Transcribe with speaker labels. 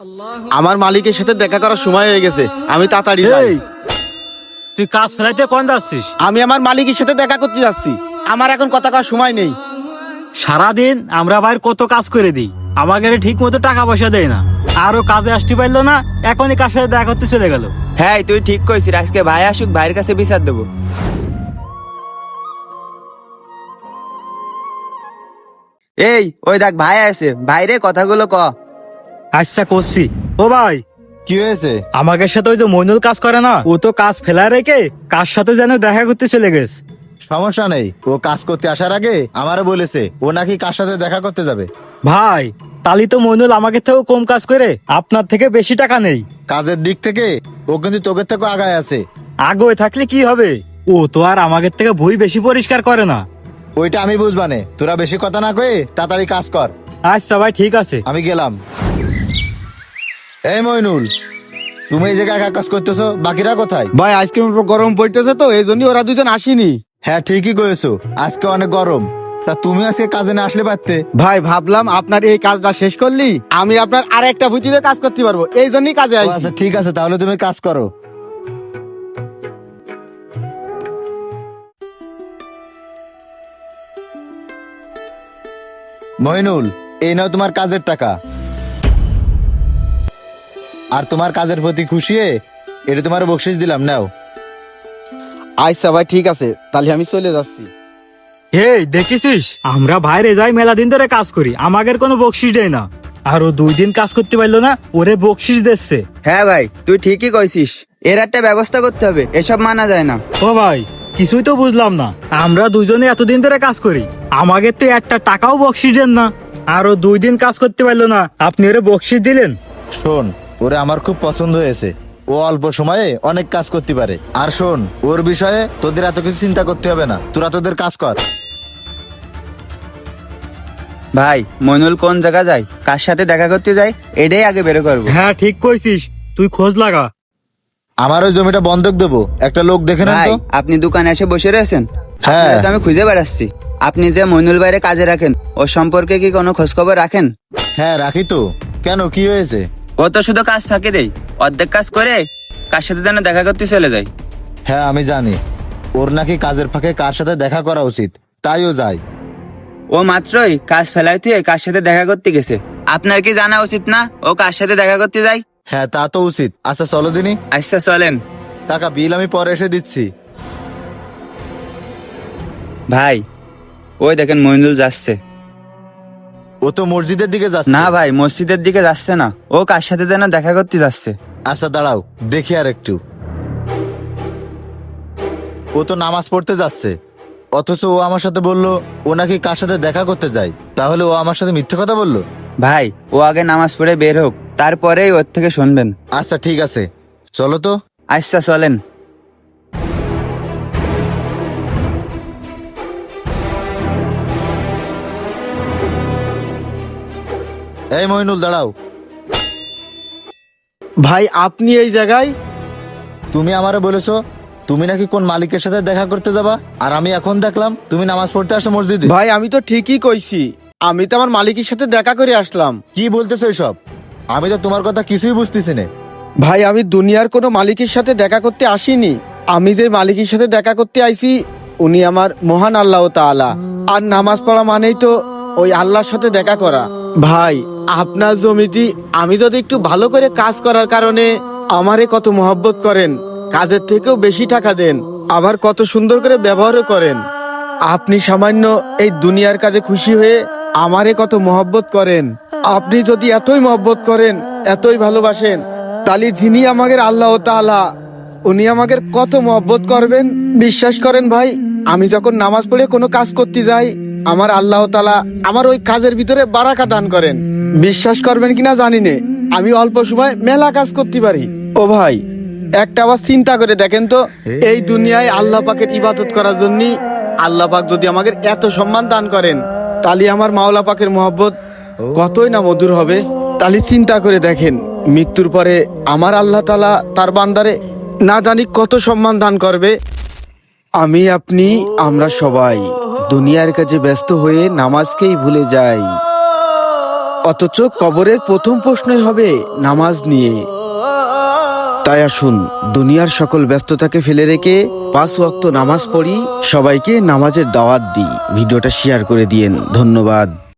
Speaker 1: আমার মালিকের সাথে দেখা করার সময় হয়ে গেছে, আমি তাড়াতাড়ি যাই।
Speaker 2: এই, তুই কাজ ফেলাইতে কোন যাচ্ছিস?
Speaker 1: আমি আমার মালিকের সাথে দেখা করতে যাচ্ছি, আমার এখন কথা কওয়ার সময় নেই।
Speaker 2: সারাদিন আমরা ভাইয়ের কত কাজ করে দিই, আমাকে ঠিক মতো টাকা পয়সা দেয় না, আরো কাজে আসতে পারলো না, এখনই কার সাথে দেখা করতে চলে গেল।
Speaker 3: হ্যাঁ তুই ঠিক কইছিস, আজকে ভাই আসুক, ভাইয়ের কাছে বিচার দেবো। এই ওই দেখ ভাই আছে, ভাইরে কথাগুলো ক।
Speaker 2: আচ্ছা করছি। ও ভাই,
Speaker 4: কি হয়েছে?
Speaker 2: আমাকে সাথে ওই যে মইনুল কাজ করে না, ও তো কাজ ফেলা রেখে কার সাথে যেন দেখা করতে চলে গেছে।
Speaker 4: সমস্যা নেই, ও কাজ করতে আসার আগে আমারও বলেছে ও নাকি কার সাথে দেখা করতে যাবে।
Speaker 2: ভাই তালি তো মইনুল আমাকে থেকেও কম কাজ করে আপনার থেকে বেশি টাকা নেই।
Speaker 4: কাজের দিক থেকে ও কিন্তু তোকে থেকে আগায় আছে।
Speaker 2: আগে থাকলে কি হবে, ও তো আর আমাকে থেকে বই বেশি পরিষ্কার করে না।
Speaker 4: ওইটা আমি বুঝবানে, তোরা বেশি কথা না কয়ে তাড়াতাড়ি কাজ কর।
Speaker 2: আচ্ছা ভাই ঠিক আছে।
Speaker 4: আমি গেলাম। এই মইনুল, তুমি এই জায়গায় একা কাজ করতেছো, বাকিরা কোথায়?
Speaker 1: ভাই আজকে গরম পড়তেছে তো এই জন্য ওরা দুজন আসেনি।
Speaker 4: হ্যাঁ ঠিকই করেছো, আজকে অনেক গরম। তা তুমি আজকে কাজে না আসলে পারতে।
Speaker 1: ভাই ভাবলাম আপনার এই কাজটা শেষ করলি আমি আপনার আর একটা ভুতিতে কাজ করতে পারবো, এই জন্যই কাজে
Speaker 4: ও
Speaker 1: আসি।
Speaker 4: আচ্ছা ঠিক আছে, তাহলে তুমি কাজ করো। মইনুল, এই নাও তোমার কাজের টাকা। আর তোমার কাজের প্রতি খুশি হয়ে এটা তোমার বকশিস দিলাম, নাও।
Speaker 1: আচ্ছা ভাই ঠিক আছে, তাহলে আমি চলে যাচ্ছি।
Speaker 2: এই দেখেছিস, আমরা বাইরে যাই মেলা দিন ধরে কাজ করি, আমাদের কোনো বকশিস দেয় না, আর ও 2 দিন কাজ করতে পারলো না, ওরে বকশিস দিচ্ছে।
Speaker 3: হ্যাঁ ভাই তুই ঠিকই কইছিস, এর একটা ব্যবস্থা করতে হবে, এসব মানা যায় না।
Speaker 2: ও ভাই কিছুই তো বুঝলাম না, আমরা দুজনে এতদিন ধরে কাজ করি, আমাকে তো একটা টাকাও বকশিস দেন না, আর ও 2 দিন কাজ করতে পারলো না, আপনি ওরে বকশিস দিলেন।
Speaker 4: শোন, ওরে আমার খুব পছন্দ হয়েছে, ও অল্প সময়ে অনেক কাজ করতে পারে। আর শোন, ওর বিষয়ে তোদের এত কিছু চিন্তা করতে হবে না, তোরা তোদের কাজ কর।
Speaker 3: ভাই মইনুল কোন জায়গা যায়, কার সাথে দেখা করতে যায়, এটাই আগে বের করবো।
Speaker 2: হ্যাঁ ঠিক কইছিস, তুই খোঁজ লাগা।
Speaker 4: আমার ওই জমিটা বন্ধক দেবো, একটা লোক দেখে নেন
Speaker 3: ভাই
Speaker 4: তো।
Speaker 3: আপনি দোকানে এসে বসে রয়েছেন,
Speaker 4: হ্যাঁ।
Speaker 3: আপনাকে তো আমি খুঁজে বেড়াচ্ছি। আপনি যে মইনুল ভাইরে কাজে রাখেন, ওর সম্পর্কে কি কোনো খোঁজ খবর রাখেন?
Speaker 4: হ্যাঁ রাখি তো, কেন কি হয়েছে?
Speaker 3: ও তো শুধু কাজ ফাঁকি দেয়, অর্ধেক কাজ করে কার সাথে যেন দেখা করতে চলে যায়।
Speaker 4: হ্যাঁ আমি জানি, ওর নাকি কাজের ফাঁকে কার সাথে দেখা করা উচিত, তাই ও যায়।
Speaker 3: ও মাত্রই কাজ ফেলাই দিয়ে কার সাথে দেখা করতে গেছে, আপনার কি জানা উচিত না ও কার সাথে দেখা করতে যায়?
Speaker 4: হ্যাঁ তা তো উচিত। আচ্ছা চলো দিনি,
Speaker 3: আচ্ছা চলেন।
Speaker 4: টাকা বিল আমি পরে এসে দিচ্ছি।
Speaker 3: ভাই ওই দেখেন মইনুল যাচ্ছে।
Speaker 4: ও তো মসজিদের দিকে যাচ্ছে।
Speaker 3: না ভাই মসজিদের দিকে যাচ্ছে না, ও কার সাথে যেন দেখা করতে যাচ্ছে।
Speaker 4: আচ্ছা দাঁড়াও, দেখি আর একটু। ও তো নামাজ পড়তে যাচ্ছে, অথচ ও আমার সাথে বললো ও নাকি কার সাথে দেখা করতে যায়, তাহলে ও আমার সাথে মিথ্যে কথা বললো?
Speaker 3: ভাই ও আগে নামাজ পড়ে বের হোক, তারপরেই ওর থেকে শুনবেন।
Speaker 4: আচ্ছা ঠিক আছে, চলো তো।
Speaker 3: আচ্ছা চলেন।
Speaker 4: এই মইনুল দাঁড়াও।
Speaker 1: ভাই আপনি এই জায়গায়?
Speaker 4: তুমি আমারে বলেছো তুমি নাকি কোন মালিকের সাথে দেখা করতে যাবা, আর আমি এখন দেখলাম তুমি নামাজ পড়তে আসো মসজিদে।
Speaker 1: ভাই আমি তো ঠিকই কইছি, আমি তো আমার মালিকের সাথে দেখা করে আসলাম।
Speaker 4: কি বলতেছো এসব? আমি তো তোমার কথা কিছুই বুঝতেছি না।
Speaker 1: ভাই আমি দুনিয়ার কোনো মালিকের সাথে দেখা করতে আসিনি, আমি যে মালিকের সাথে দেখা করতে আইছি উনি আমার মহান আল্লাহ তাআলা, আর নামাজ পড়া মানেই তো ওই আল্লাহর সাথে দেখা করা। ভাই আপনার জমিতে আমি যদি একটু ভালো করে কাজ করার কারণে আমারে কত মহব্বত করেন, কাজের থেকেও বেশি টাকা দেন, আবার কত সুন্দর করে ব্যবহারও করেন। আপনি সামান্য এই দুনিয়ার কাজে খুশি হয়ে আমারে কত মহব্বত করেন। আপনি যদি এতই মহব্বত করেন, এতই ভালোবাসেন, তাহলে যিনি আমাদের আল্লাহ তাআলা উনি আমাদের কত মহব্বত করবেন। বিশ্বাস করেন ভাই, আমি যখন নামাজ পড়ে কোনো কাজ করতে যাই আমার আল্লাহ তাআলা আমার ওই কাজের ভিতরে বারাকা দান করেন। বিশ্বাস করবেন কিনা জানি না, আমি অল্প সময় মেলা কাজ করতে পারি। ও ভাই একটা আবার চিন্তা করে দেখেন তো, এই দুনিয়ায় আল্লাহ পাকের ইবাদত করার জন্য আল্লাহ পাক যদি আমাদের এত সম্মান দান করেন, তাহলে আমার মাওলা পাকের মহব্বত কতই না মধুর হবে। তাহলে চিন্তা করে দেখেন, মৃত্যুর পরে আমার আল্লাহ তাআলা তার বান্দারে না জানি কত সম্মান দান করবে। আমি আপনি আমরা সবাই দুনিয়ার কাজে ব্যস্ত হয়ে নামাজকেই ভুলে যাই। অথচ কবরের প্রথম প্রশ্নই হবে নামাজ নিয়ে। তাই আসুন দুনিয়ার সকল ব্যস্ততাকে ফেলে রেখে 5 ওয়াক্ত নামাজ পড়ি, সবাইকে নামাজের দাওয়াত দিই। ভিডিওটা শেয়ার করে দিয়েন। ধন্যবাদ।